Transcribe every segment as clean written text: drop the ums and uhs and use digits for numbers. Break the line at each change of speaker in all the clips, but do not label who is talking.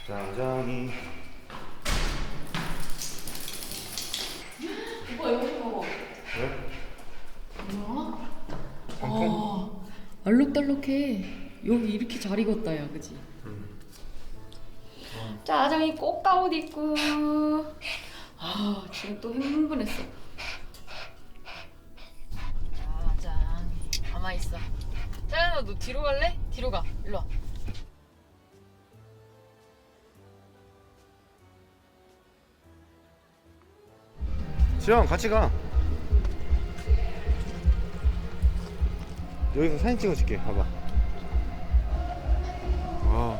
짜장이.
오빠 여기 봐봐.
왜?
뭐야?
방콕?
알록달록해. 여기 이렇게 잘 익었다 야, 그치? 짜장이 꽃가옷 입고. 아 지금 또 흥분했어. 짜장이 가만히 있어. 짜장아 너 뒤로 갈래? 뒤로 가. 일로 와.
지영 같이 가. 여기서 사진 찍어줄게. 봐봐. 와.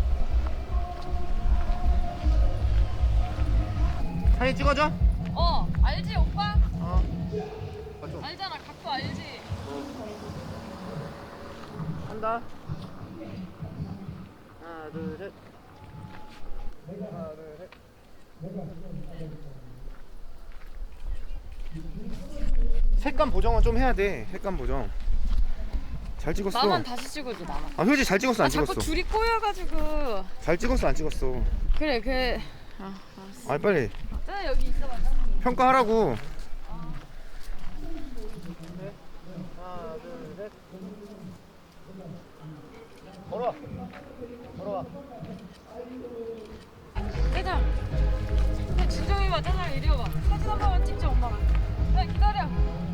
사진 찍어줘?
알지 오빠?
맞죠?
알잖아 각도 알지?
한다. 하나 둘 셋. 하나 둘 셋. 색감 보정은 좀 해야 돼. 색감 보정. 잘 찍었어.
나만 다시 찍어줘 나만.
아 효지 잘 찍었어 안 찍었어?
자꾸 줄이 꼬여가지고.
잘 찍었어 안 찍었어?
그래. 알았어.
아 빨리
짜장 여기 있어봐.
평가하라고. 하나 둘 셋. 걸어와. 걸어와.
짜장. 진정이 봐. 짜장 이리 와봐. 사진 한 번만 찍자 엄마가. 야 기다려.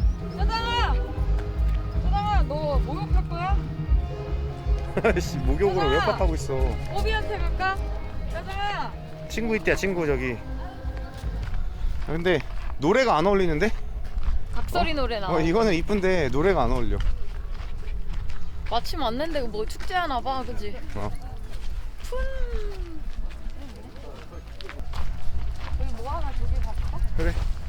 짜장아 너 목욕할 거야?
씨 목욕으로 왜
짜장아.
pap하고 있어?
오비한테 갈까? 짜장아.
친구 있대야 친구 저기. 아, 근데 노래가 안 어울리는데?
각설이 노래 나와.
이거는 이쁜데 노래가 안 어울려.
마침 왔는데 뭐 축제하나 봐, 그지? 여기 뭐 하나 저기 갈까?
그래.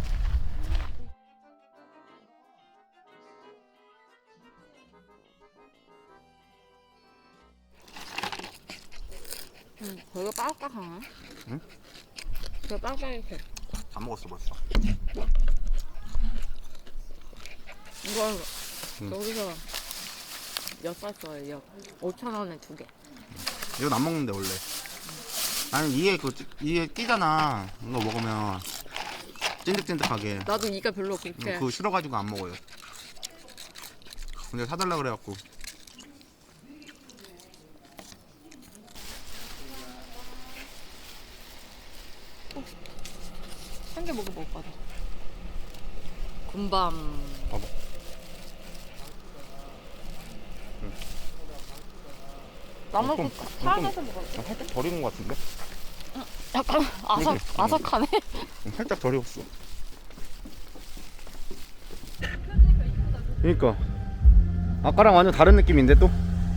거기가 빡빡하네.
응?
되게 빡빡해.
다 먹었어 벌써.
이거
응.
여기서 엿 샀어요, 엿. 5,000원에 2개.
이건 안 먹는데 원래. 아니 이게 끼잖아. 이거 먹으면 찐득찐득하게.
나도 이가 별로 그렇게.
그거 싫어가지고 안 먹어요. 근데 사달라 그래갖고.
한 개 먹어볼 거다. 군밤.
봐봐.
나머지 차 안에서 먹었어.
살짝 덜 익은 것 같은데?
약간
그치?
아삭하네.
살짝 덜 익었어. 그니까 아까랑 완전 다른 느낌인데 또?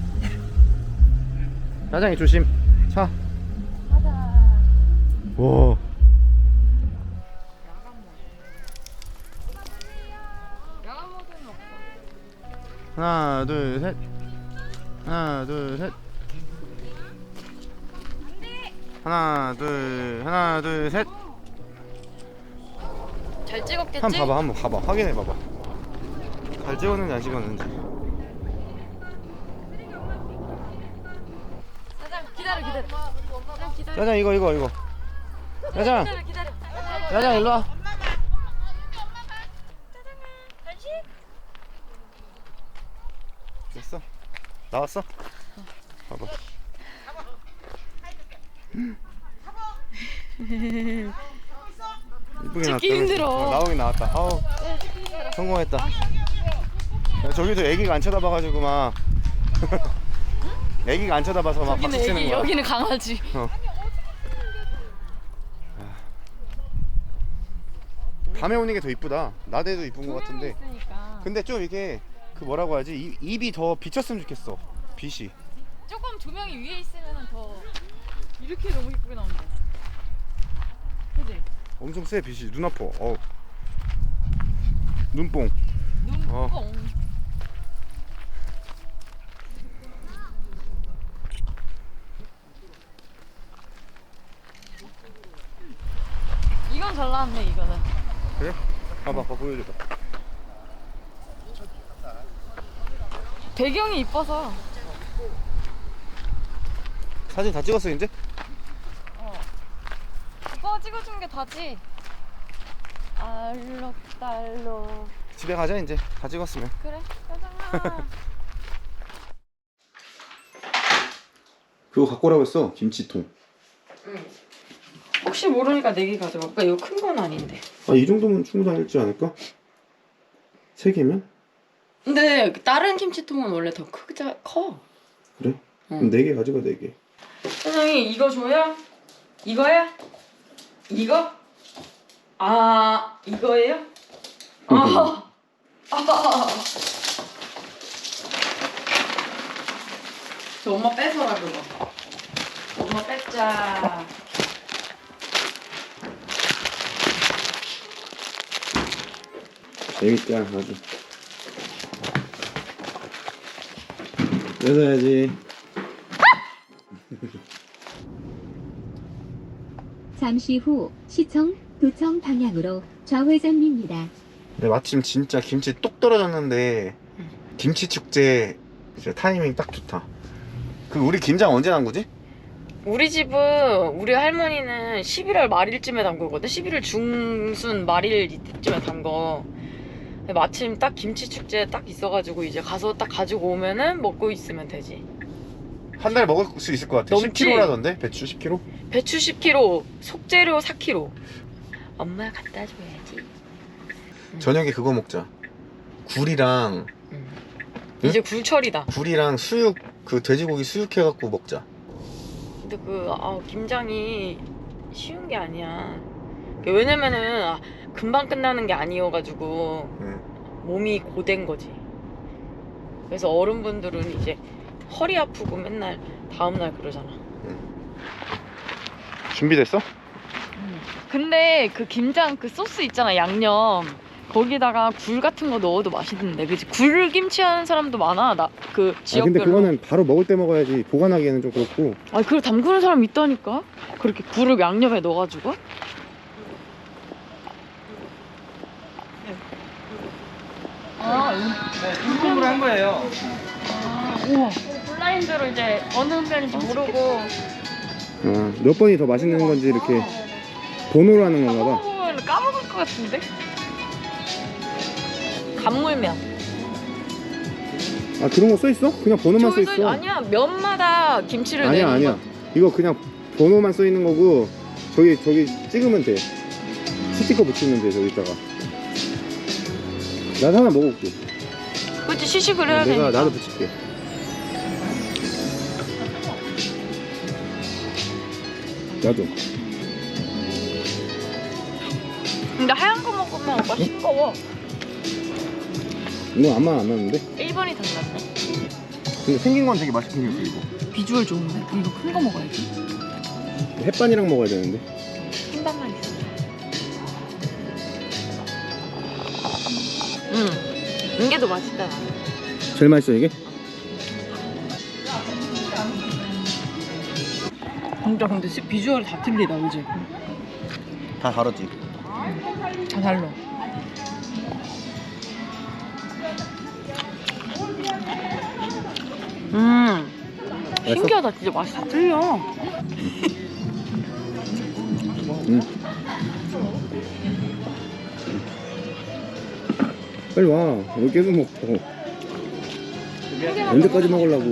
짜장이 조심. 차.
가자.
와.
야간 모드는 없어.
하나 둘 셋. 하나 둘 셋. 하나 둘 셋.
잘 찍었겠지?
한번 봐봐 확인해 봐봐. 잘 찍었는지 안 찍었는지.
짜장 기다려. 짜장 기다려.
짜장 이거. 짜장.
기다려.
짜장 일로 와.
간식.
됐어. 나왔어? 봐봐. 이쁘게 나왔다.
찍기 힘들어.
나오긴 나왔다. 아우 성공했다. 야, 저기도 애기가 안 쳐다봐가지고 막 애기가 안 쳐다봐서 막 박수 치는 거야.
여기는 강아지.
밤에 오는 게 더 이쁘다. 낮에도 이쁜 것 같은데.
있으니까.
근데 좀 이게 그 뭐라고 하지? 입이 더 비쳤으면 좋겠어. 빛이.
조금 조명이 위에 있으면 더 이렇게 너무 이쁘게 나온다. 그지?
엄청 세 빛이. 눈 아파. 눈뽕.
눈뽕. 이건 잘 나왔네 이거는.
그래? 봐봐 보여줘봐.
배경이 이뻐서.
사진 다 찍었어 이제?
이거 찍어준 게 다지. 알록달록.
집에 가자 이제. 다 찍었으면.
그래, 가자.
그거 갖고 오라고 했어. 김치통.
응. 혹시 모르니까 4개 가져갈까? 이거 큰 건 아닌데.
아, 이 정도면 충분하지 않을까? 3개면?
근데 다른 김치통은 원래 더 커.
그래?
응.
그럼 4개 가져가. 4개.
사장님 이거 줘요? 이거야? 이거? 아 이거예요? 아. 저 엄마 뺏어라 그거. 엄마 뺏자.
재밌다 아주. 뺏어야지.
잠시 후 시청 도청 방향으로 좌회전입니다.
네, 마침 진짜 김치 뚝 떨어졌는데 김치 축제 진짜 타이밍 딱 좋다. 그 우리 김장 언제 난 거지?
우리 집은 우리 할머니는 11월 말일쯤에 담그거든. 11월 중순 말일 이때쯤에 담궈. 마침 딱 김치 축제 딱 있어가지고 이제 가서 딱 가지고 오면은 먹고 있으면 되지.
한 달 먹을 수 있을 것 같아.
넘지?
10kg라던데? 배추 10kg?
배추 10kg, 속재료 4kg. 엄마 갖다 줘야지.
저녁에 그거 먹자. 굴이랑 응?
이제 굴철이다.
굴이랑 수육, 그 돼지고기 수육해갖고 먹자.
근데 김장이 쉬운 게 아니야. 왜냐면은 금방 끝나는 게 아니어가지고
응.
몸이 고된 거지. 그래서 어른분들은 이제 허리 아프고 맨날 다음날 그러잖아.
준비됐어?
근데 그 김장 그 소스 있잖아, 양념. 거기다가 굴 같은 거 넣어도 맛있는데, 그치? 굴김치 하는 사람도 많아, 그 지역별로.
근데 그거는 바로 먹을 때 먹어야지. 보관하기에는 좀 그렇고.
아, 그걸 담그는 사람 있다니까? 그렇게 굴을 양념에 넣어가지고.
인공으로 한 거예요.
우와. 블라인드로 이제 어느 면인지 모르고.
몇 번이 더 맛있는 건지 이렇게 번호로 하는 건가 봐.
까먹으면 까먹을 것 같은데? 간물면.
아, 그런 거 써있어? 그냥 번호만
저기
써있어.
아니야, 면마다 김치를
아니야
내는
아니야.
거.
이거 그냥 번호만 써있는 거고, 저기 찍으면 돼. 스티커 붙이면 돼. 저기다가. 나도 하나 먹어볼게.
그치, 시식을 해야 되니까.
나도 붙일게. 나도.
근데 하얀 거 먹으면 오빠 싱거워.
이거 아마 안 나는데?
1번이 더 낫네.
근데 생긴 건 되게 맛있게 생겼어 이거.
비주얼 좋은데? 그럼 이거 큰 거 먹어야지.
햇반이랑 먹어야 되는데.
흰밥만 있어. 이게 더 맛있다.
제일 맛있어 이게?
진짜 근데 비주얼이 다 틀리다, 그지?
다 다르지.
다 달라. 신기하다. 진짜 맛이 다 틀려.
빨리 와. 여기 계속 먹고. 언제까지 먹으려고?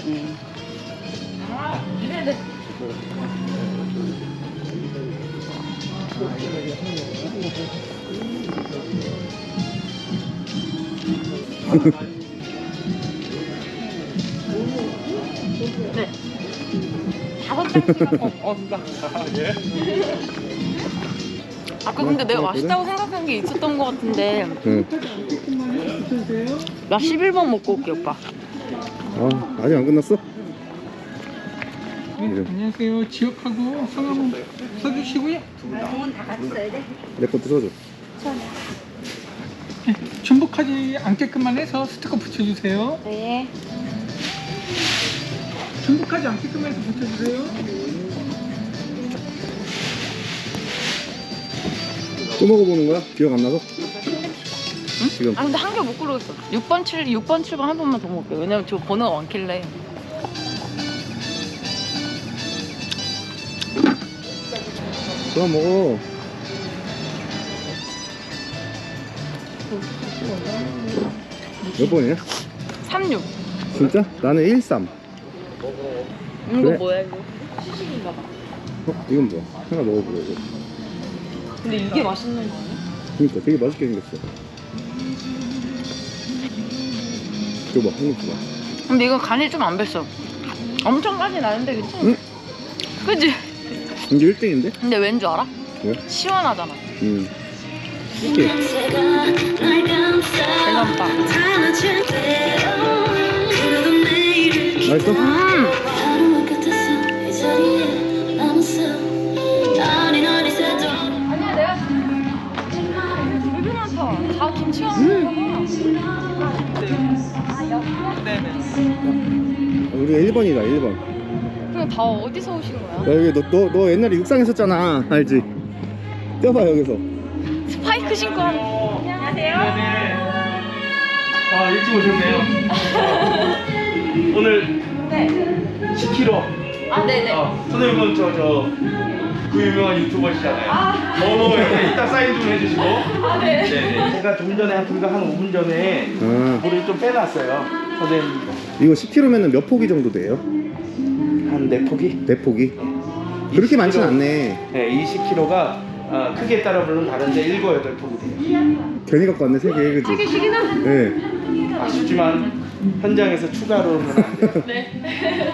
네. 5장씩. 아까 근데 내가 맛있다고 생각한 게 있었던 것 같은데.
응.
나 11번 먹고 올게, 오빠.
아, 아직 안 끝났어?
네, 안녕하세요. 지역하고 성함 써주시고요.
내 것도 써줘.
네, 중복하지 않게끔만 해서 스티커 붙여주세요.
네.
중복하지 않게끔만 해서 붙여주세요.
또 먹어보는 거야? 기억 안 나서? 응? 지금.
아, 근데 한 개 못 고르겠어. 6번, 7번 한 번만 더 먹을게. 왜냐면 저 번호가 많길래.
그만 먹어. 몇 번이야?
36.
진짜? 나는 13.
이거
그래?
뭐야 이거? 시식인가 봐.
이건 뭐야? 하나 먹어보려고.
근데 이게 맛있는 거 아니야?
그니까 되게 맛있게 생겼어. 줘봐, 한입 줘봐.
근데 이거 간이 좀 안 뱄어. 엄청 까지 나는데 괜찮아.
응?
그치?
이게 1등인데?
근데 왠 줄 알아?
왜?
시원하잖아.
이게
계란빵.
맛있어?
아니야 내가 되게 많다. 다 김치와
우리 1번이다, 1번.
그럼 다 어디서 오신 거야?
야, 여기 너 옛날에 육상 했었잖아. 알지? 뛰어봐, 여기서.
스파이크 신고 하는. 안녕하세요.
아 일찍 오셨네요. 오늘
네.
10kg.
아 네네.
선생님은 그 유명한 유튜버시잖아요. 이렇게 이따 사인 좀 해주시고.
아 네.
네네. 제가 좀 전에 불과 한 5분 전에 물을 좀 빼놨어요. 선생님
이거 10kg면은 몇 포기 정도 돼요?
한 4포기?
4포기? 그렇게 많진 않네.
네, 20kg가 크기에 따라 물론 다른데 7, 8포기 돼요.
괜히 갖고 왔네, 3개, 그치? 3개씩이나? 네.
아쉽지만 현장에서 추가로는 안 돼요.
네.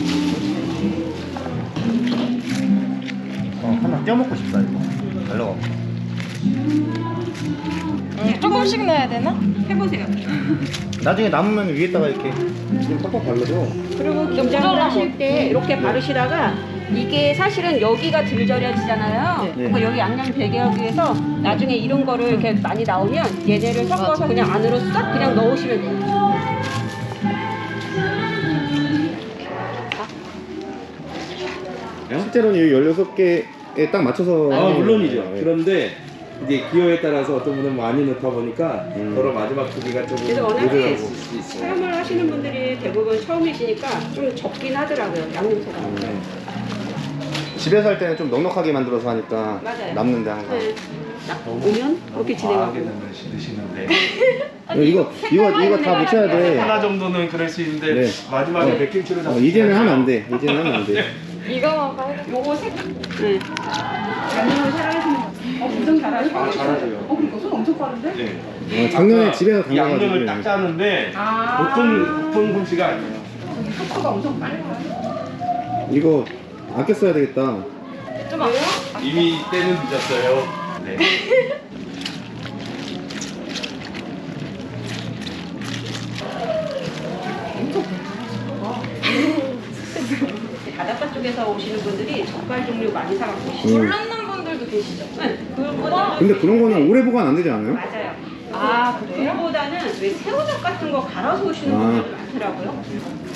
하나 껴먹고 싶다, 이거. 잘 넣어.
조금씩 넣어야 되나?
해보세요.
나중에 남으면 위에다가 이렇게 좀 팍팍 발라줘.
그리고 김장을 하실 때 이렇게 바르시다가 이게 사실은 여기가 들절여지잖아요.
네.
그러니까 여기 양념 배게 하기 위해서 나중에 이런 거를 이렇게 많이 나오면 얘네를 섞어서 그냥 안으로 싹 그냥 넣으시면 돼요.
실제로는 이 16개에 딱 맞춰서.
물론이죠.
네.
그런데 이제 기호에 따라서 어떤 분은 많이 넣다 보니까 서로 마지막 크기가 조금
그래서 워낙에
모자라고 수 있어요.
체험을 하시는 분들이 대부분 처음이시니까 좀 적긴 하더라고요. 양념소가.
집에서 할 때는 좀 넉넉하게 만들어서 하니까
맞아요.
남는데 항상.
네. 딱 오면 그렇게 진행하고.
드시는데
이거 다 묻혀야 돼.
하나 정도는 그럴 수 있는데
네.
마지막에 백김치로 잡
이제는 하면 안 돼. 이제는 하면 안 돼.
이거만 봐야 돼.
요거 색. 네. 양념을 사랑하시는 거. 엄청 잘하시고.
잘하세요.
그러니까 손 엄청 빠른데?
네.
작년에 집에서
이 양념을
담가가지고.
딱 짜는데
아.
보통 솜씨가 아니에요.
속도가 엄청 빨라요.
이거 아껴 써야 되겠다.
이미 때는 늦었어요. 네.
바닷가 쪽에서 오시는 분들이 젓갈 종류 많이 사갖고 오시죠.
몰랐는 분들도 계시죠?
네, 그거는
근데 그런 거는 오래 보관 안 되지 않아요?
맞아요. 아 그래요? 그거보다는 왜 새우젓 같은 거 갈아서 오시는 분들이 많더라고요.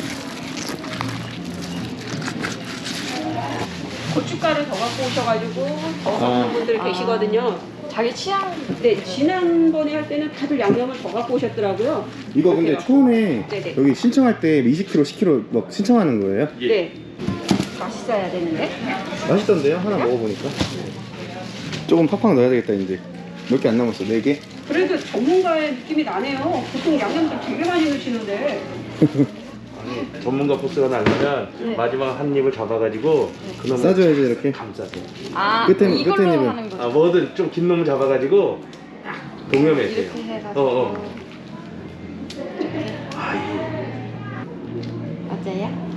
고춧가루 더 갖고 오셔가지고 더 갖는 분들 계시거든요.
자기 취향.
네, 지난번에 할 때는 다들 양념을 더 갖고 오셨더라고요.
이거 근데
그렇게
처음에
네네.
여기 신청할 때 20kg, 10kg 막 신청하는 거예요?
예.
네. 맛있어야 되는데.
맛있던데요? 하나 먹어보니까. 조금 팍팍 넣어야 되겠다 이제. 몇 개 안 남았어, 4개?
그래도 전문가의 느낌이 나네요. 보통 양념들 되게 많이 넣으시는데.
아니, 전문가 포스가 나려면 마지막 한 입을 잡아가지고 그놈을
싸줘야지, 이렇게.
감싸세요.
아
끝에는-
이걸로
끝에는
하는 거죠.
뭐든 좀 긴 놈을 잡아가지고 동여매세요.
이렇게 해가지고. 맞아요?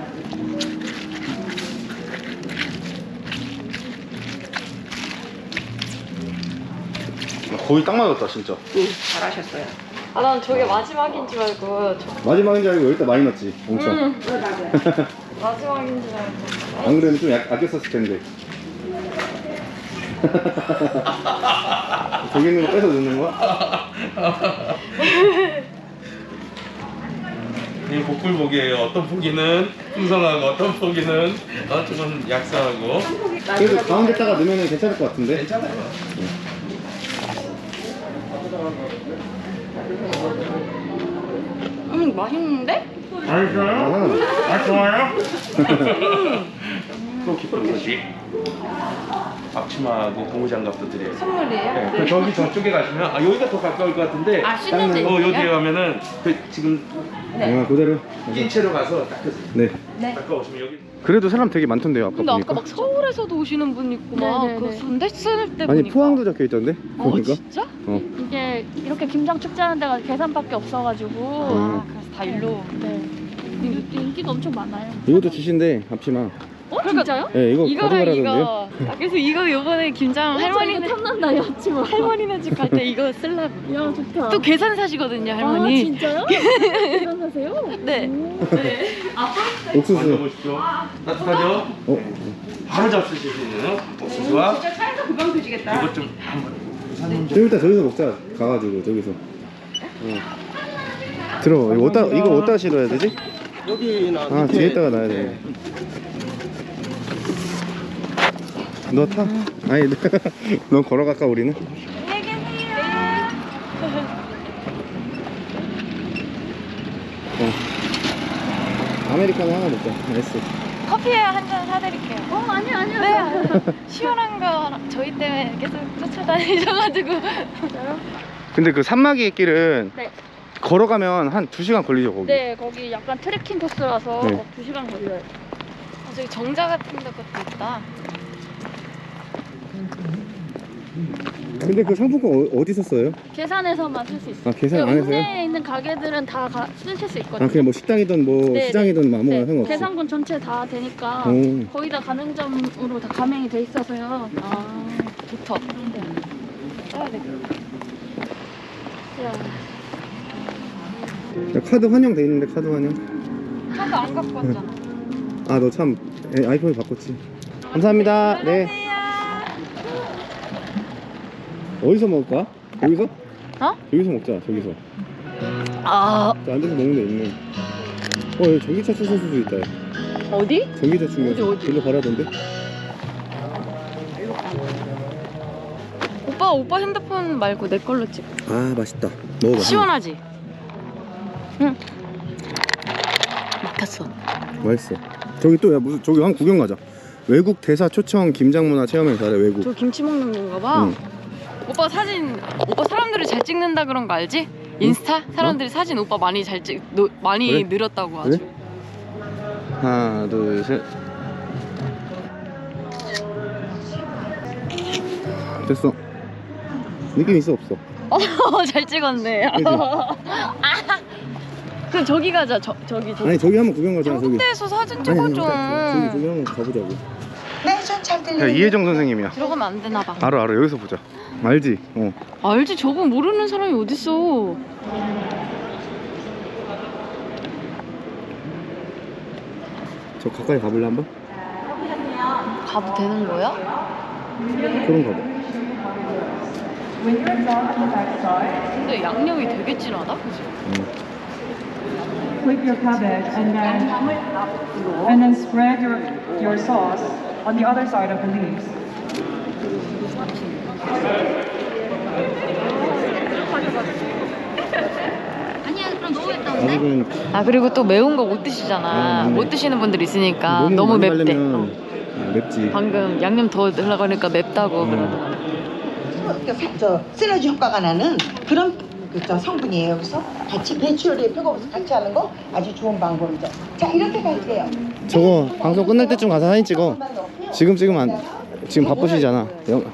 거의 딱 맞았다 진짜.
응, 잘하셨어요.
아 난 저게 마지막인 줄 알고
마지막인 줄 알고 여기다 많이 넣었지 엄청.
맞아요.
마지막인 줄 알고.
안 그래도 좀 아껴 썼을 텐데. 저기 있는 거 뺏어 넣는 거야?
이 복불복이에요. 어떤 포기는 풍성하고 어떤 포기는 조금 약사하고.
그래도 가운데다가 넣으면 괜찮을 것 같은데?
괜찮아요.
맛있는데?
맛있어요? 아 좋아요? 또 기쁜 소식. 앞치마하고 고무장갑도 드려요.
선물이에요?
네. 그 저기 저쪽에 가시면 여기가 더 가까울 것 같은데.
아, 신혼집.
여기에 가면은 그 지금
아, 그대로.
낀 채로 가서 딱
네.
가까우시면 여기.
그래도 사람 되게 많던데요, 아까
근데
보니까.
아까 막 서울에서도 오시는 분 있고 막
네네네.
그 군대 쓸 때
아니
보니까.
포항도 적혀 있던데. 보니까.
진짜?
이게 이렇게 김장 축제하는 데가 계산밖에 없어가지고
아, 그래서 다 일로.
네. 인기가 엄청 많아요.
이것도 주신대 앞치마.
진짜요?
네, 이거
이거랑
가져가라던데요.
이거. 아, 그래서 이거 요번에 김장 할머니네
탐난다 야치마.
할머니네 집 갈 때 이거 쓰려고.
야 좋다.
또 계산 사시거든요, 할머니.
아 진짜요? 계산하세요?
네.
옥수수.
만져보십시오. 따뜻하죠? 바로 잡수실 수 있는 옥수수와
진짜 차에서 금방 드시겠다.
이것 좀 한번.
좀 이따 저기서 먹자. 가가지고 저기서. 들어. 이거 어디다 실어야 되지?
여기나
아 뒤에다가 놔야 돼. 너 타. 아니 너 걸어갈까 우리는? 아메리카노 하나 먹자. 알았어.
커피에 한 잔 사드릴게요.
아니요.
네. 시원한 거 저희 때문에 계속 쫓아다니셔가지고.
근데 그 산마기 길은
네.
걸어가면 한 2시간 걸리죠 거기.
네 거기 약간 트레킹 코스라서
네.
2시간 걸려요.
저기 정자 같은 데 것도 있다.
근데 그 상품권 어디서 써요?
계산해서만 살 수 있어요.
아 계산 안 해서요?
국내에 있는 가게들은 다 쓰실 수 있거든요.
아 그냥 뭐 식당이든 뭐
네,
시장이든 뭐 아무거나 상관없어.
계산권 전체 다 되니까
오.
거의 다 가맹점으로 다 가맹이 돼 있어서요.
아, 좋다. 써야 돼.
야,
야, 카드 환영 돼 있는데 카드 환영.
차도 안 갖고 왔잖아.
아 너 참 아이폰을 바꿨지. 감사합니다. 네. 어디서 먹을까? 여기서?
어?
여기서 먹자. 저기서.
아,
저 앉아서 먹는 데 있네. 여기 전기차 충전소도 있다. 야.
어디?
전기차 충전소.
어디?
일로 가라던데?
오빠 핸드폰 말고 내 걸로 찍어.
아 맛있다. 먹어봐.
시원하지? 응. 막혔어.
맛있어. 저기 또 야 무슨 저기 한 구경 가자. 외국 대사 초청 김장문화 체험행사래 외국.
저 김치 먹는 건가 봐.
응.
오빠 사람들이 잘 찍는다 그런 거 알지? 인스타? 사람들이 사진 오빠 많이 많이
그래?
늘었다고 아주.
그래? 하나 둘 셋. 됐어. 느낌 있어 없어?
잘 찍었네.
그치?
그럼 저기 가자. 저기.
아니 저기 한번 구경 가자. 저기.
홍대에서 사진
아니,
찍어줘.
저기 한번 가보자고.
네, 전 잘
야
들려요.
이혜정 선생님이야.
들어가면 안 되나 봐.
알아 여기서 보자. 알지?
알지? 저거 모르는 사람이 어딨어.
저 가까이 가볼래 한번?
가도 되는 거야?
그럼 가봐.
근데 양념이 되게 진하다, 그지?
Flip your cabbage and then spread your sauce on the other side of the leaves.
아직은
아 그리고 또 매운 거 못 드시잖아.
맞네.
못 드시는 분들 있으니까
몸이
너무
많이
맵대.
바르면 맵지.
방금 양념 더 넣으려고 하니까 맵다고 그러더라고.
시너지 효과가 나는 그런 성분이에요. 그래서 같이 배추 요리에 표고버섯 같이 하는 거 아주 좋은 방법이죠. 자, 이렇게 갈게요.
저거 방송 끝날 때쯤 가서 사진 찍어. 지금 찍으면 지금 바쁘시잖아.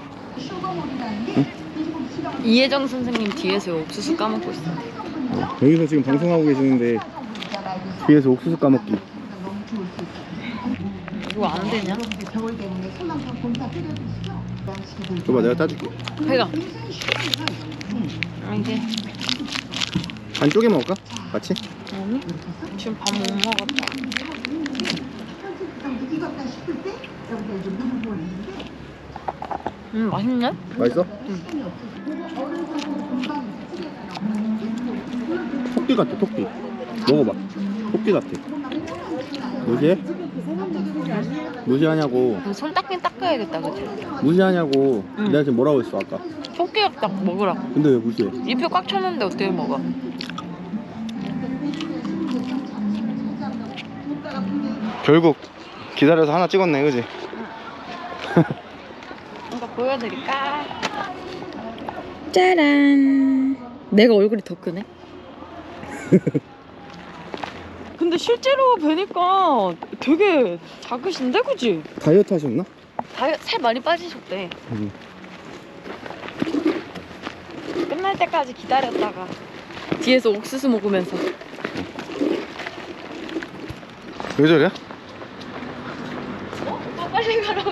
이혜정 선생님 뒤에서 옥수수 까먹고 있어.
여기서 지금 방송하고 계시는데 뒤에서 옥수수 까먹기.
이거 안 되냐?
줘봐 내가 따줄게.
배가. 이게
반 쪼개 먹을까? 같이?
아니? 지금 밥 못 먹었다. 맛있네?
맛있어? 토끼 같아 토끼. 먹어봐. 토끼 같아. 무시해? 무시하냐고.
그럼 손 닦긴 닦아야겠다, 그치?
무시하냐고.
응.
내가 지금 뭐라고 했어 아까.
토끼 딱 먹으라고.
근데 왜 무시해?
잎이 꽉 찼는데 어떻게 먹어?
결국 기다려서 하나 찍었네 그지?
뭔가 보여드릴까? 짜란. 내가 얼굴이 더 크네. 근데 실제로 뵈니까 되게 작으신데, 그지?
다이어트 하셨나?
살 많이 빠지셨대. 끝날 때까지 기다렸다가 뒤에서 옥수수 먹으면서.
왜 저래?
오빠 빨리 가라며.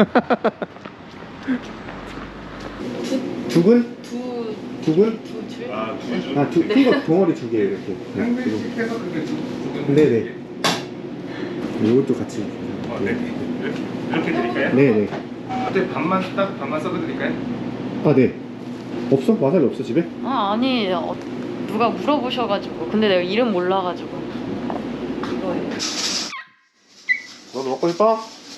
두근? 두근?
두 줄?
이거 덩어리 2개 이렇게.
해서 그렇게
네네. 이것도 같이.
이렇게 드릴까요?
네네.
어때 반만 썰어 드릴까요?
아 네. 없어? 와사비 없어 집에?
아니 누가 물어보셔가지고. 근데 내가 이름 몰라가지고. 이거예요.
너도 먹고 싶어?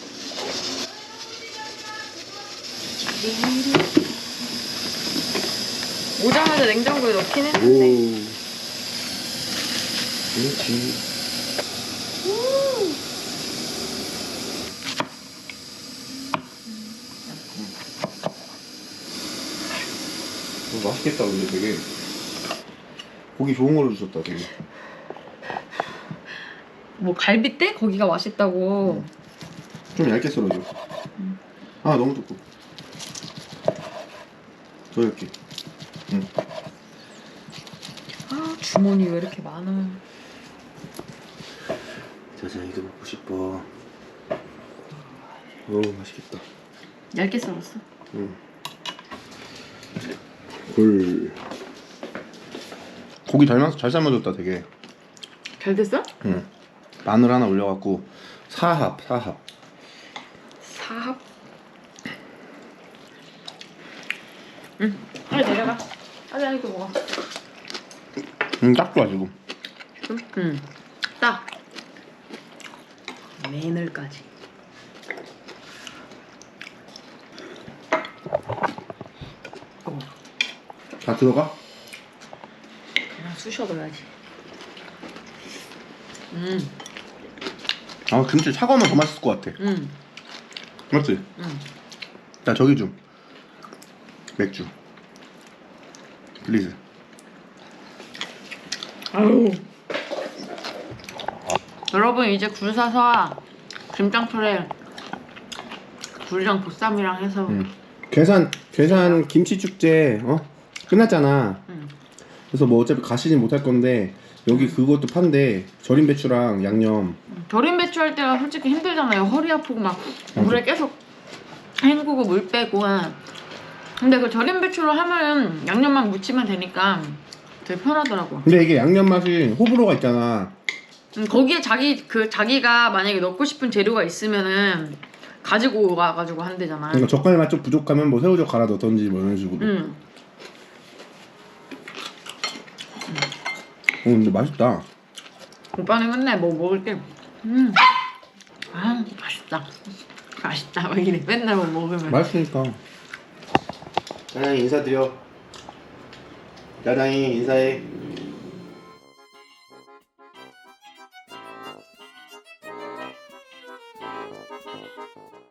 오자마자 냉장고에 넣긴 했는데.
그렇지. 맛있겠다 근데 되게 고기 좋은 걸로 주셨다 되게.
뭐 갈비대? 거기가 맛있다고.
좀 얇게 썰어줘. 아 너무 두꺼워. 더 얇게.
아 주머니 왜 이렇게 많아.
자자이도 먹고 싶어. 어우 맛있겠다.
얇게 썰었어.
고기 잘 삶아줬다 되게.
잘 됐어?
응. 마늘 하나 올려갖고 사합.
사합? 응. 빨리 내려가. 빨리 이거 먹어.
딱 좋아 지금.
응. 딱. 마늘까지.
다 들어가?
그냥 쑤셔둬야지.
아 김치 차가우면 더 맛있을 것 같아. 맞지? 자 저기 좀 맥주 플리즈.
아유. 여러분 이제 굴 사서 김장철에 굴이랑 보쌈이랑 해서
괴산 김치 축제 끝났잖아.
응.
그래서 뭐 어차피 가시진 못할 건데 여기 그것도 판대. 절임 배추랑 양념.
절임 배추 할 때가 솔직히 힘들잖아요. 허리 아프고 막 물에 계속 헹구고 물 빼고. 근데 그 절임 배추로 하면 양념만 묻히면 되니까 되게 편하더라고.
근데 이게 양념 맛이 호불호가 있잖아.
거기에 자기가 만약에 넣고 싶은 재료가 있으면은 가지고 와가지고 한대잖아.
그러니까 젓갈 맛 좀 부족하면 뭐 새우젓 갈아 넣던지 뭐 이런 식으로. 근데 맛있다.
오빠는 맨날 뭐 먹을 때 아 맛있다 막 이래. 맨날 뭐 먹으면.
맛있으니까. 짜장이 인사드려. 짜장이 인사해.